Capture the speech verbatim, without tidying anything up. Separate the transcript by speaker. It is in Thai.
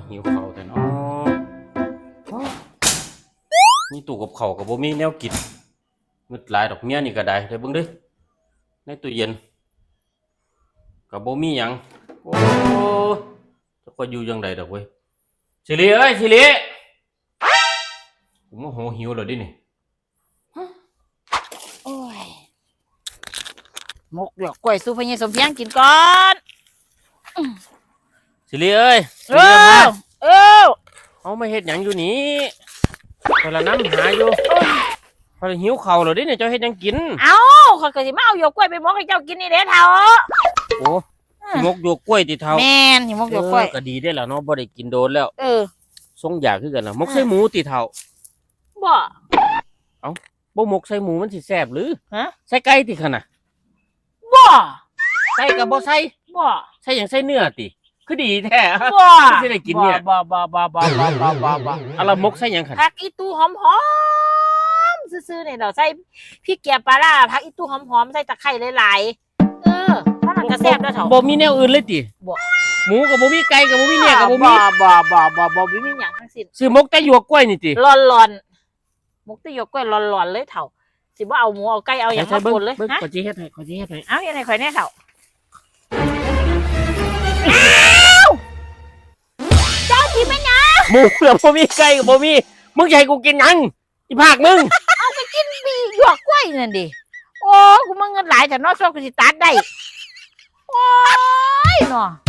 Speaker 1: หิวข้าวแต่เนาะมีตู้กับข้าวกับบ่มีแนวกินงึดหลายดอกเมียนี่ก็ได้เด้อเบิ่งเด้อในตู้เย็นก็บ่มีหยังโอ้จะก็อยู่จังไดดอกเว้ยสิริเอ้ยสิริกูโมโหหิวแล้วดินี่
Speaker 2: โอ้ยมกหยอกกล้วยสู้พญายสมเพียงกินก่อน
Speaker 1: สิริเอ้ยสิ
Speaker 2: เอ
Speaker 1: ริมา
Speaker 2: อเออ
Speaker 1: เอามาเฮ็ดหยังอยู่นี่พอละน้ำหาอยู่พอละหิวข้าวแล้วดินี่เจ้าเฮ็ดหยังกิน
Speaker 2: เอาข้อยก็สิมาเอาหยวกกล้วยไปมกให้เจ้ากินนี่เด้อเฒ่า
Speaker 1: โอ้สิมกหยวกกล้วยติเฒ่า
Speaker 2: แม่นสิมกหยวกกล้วย
Speaker 1: เออก็ดีได้อล่ะเนาะบ่ได้กินโดนแล้ว
Speaker 2: เออ
Speaker 1: ทรงอยากคือกันล่ะมกใส่หมูติเฒ่า
Speaker 2: บ่
Speaker 1: บ่มกใส่หมูมันสิแซ่บหรือ
Speaker 2: ฮะ
Speaker 1: ใส่ไก่ติคั่นน่ะ
Speaker 2: บ่
Speaker 1: ใส่ก็บ่ใส่
Speaker 2: บ่
Speaker 1: ใส่หยังใส่เนื้อติคือดีแท้
Speaker 2: บ่
Speaker 1: สิได้กินเนี่ย
Speaker 2: บ่บ่บ่บ่บ่บ่บ่บ่
Speaker 1: อะละมกใส่หยังคั่น
Speaker 2: ผักอีตู้หอมๆซื่อๆนี่เราใส่พริกเกียปลาร้าผักอีตู้หอมๆใส่ตะไคร้หลายๆเออถ้ามันก็แซ่บเด้อเฒ่า
Speaker 1: บ่มีแนวอื่นเลยติ
Speaker 2: บ่
Speaker 1: หมูก็บ่มีไก่ก็บ่มีเนื้อก็บ่มี
Speaker 2: บ่บ่บ่บ่บ่บ่มีหยังทั้งสิ้น
Speaker 1: ซื้อมกแต่หยวกกล้วยนี่ติ
Speaker 2: ร้อนๆมกตะหยวกกล้วยร้อนๆเลยเฒ่าสิบ่เอาหมูเอาไก่เอาหยังมาปนเลย
Speaker 1: เบิ่ง
Speaker 2: ฮะ
Speaker 1: ขอสิเฮ็ดให้ขอสิเฮ็ดให้
Speaker 2: เอาอย่างไรข่อยแน่เฒ่าเจ้าที่ไม่นะ
Speaker 1: หมูก็บ่มีไก่ก็บ่มีมึงจะให้กูกินหยังอีภาคมึง
Speaker 2: เอาไปกินบีหยวกกล้วยนั่นดิโอ้กูมาเงินหลายแต่นอกชอบกูสิตัดได้โอ้ยเนาะ